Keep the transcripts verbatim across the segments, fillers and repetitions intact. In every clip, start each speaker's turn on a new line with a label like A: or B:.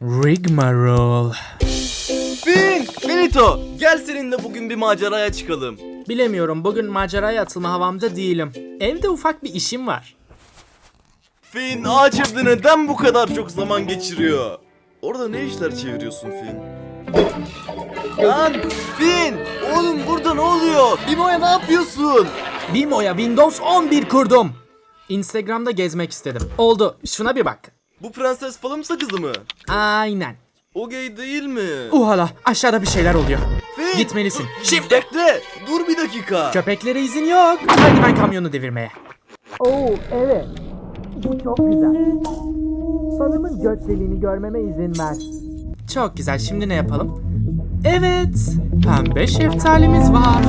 A: Rigmarole.
B: Fin! Finito! Gel seninle bugün bir maceraya çıkalım.
A: Bilemiyorum, bugün maceraya atılma havamda değilim. Evde ufak bir işim var.
B: Fin, ağaç evde neden bu kadar çok zaman geçiriyor? Orada ne işler çeviriyorsun Fin? Lan! Fin! Oğlum burada ne oluyor? Bimo'ya ne yapıyorsun?
A: Bimo'ya Windows on bir kurdum. Instagram'da gezmek istedim. Oldu, şuna bir bak.
B: Bu Prenses Palımsa kızı mı?
A: Aynen.
B: O gay değil mi?
A: Uhala, aşağıda bir şeyler oluyor.
B: Fin!
A: Gitmelisin.
B: Şimdi! Bekle! Dur bir dakika.
A: Köpeklere izin yok. Haydi ben kamyonu devirmeye. Oo, evet. Bu çok güzel. Sanırım göç deliğini görmeme izin ver. Çok güzel. Şimdi ne yapalım? Evet. Pembe şeftalimiz var.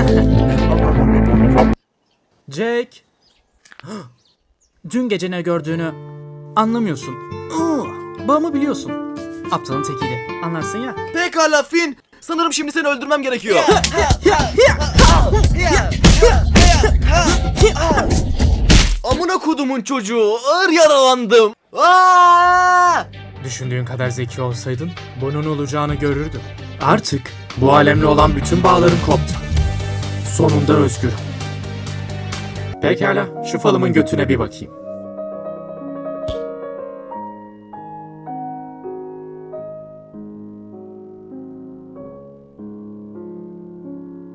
A: Jake. Dün gece ne gördüğünü anlamıyorsun. Bağımı biliyorsun. Aptalın tekiydi. Anlarsın ya.
B: Pekala Fin! Sanırım şimdi seni öldürmem gerekiyor. Amına kodumun çocuğu, ağır yaralandım. Aa!
A: Düşündüğün kadar zeki olsaydın bunun olacağını görürdün. Artık bu alemle olan bütün bağlarım koptu. Sonunda özgürüm. Pekala, şu falımın götüne bir bakayım.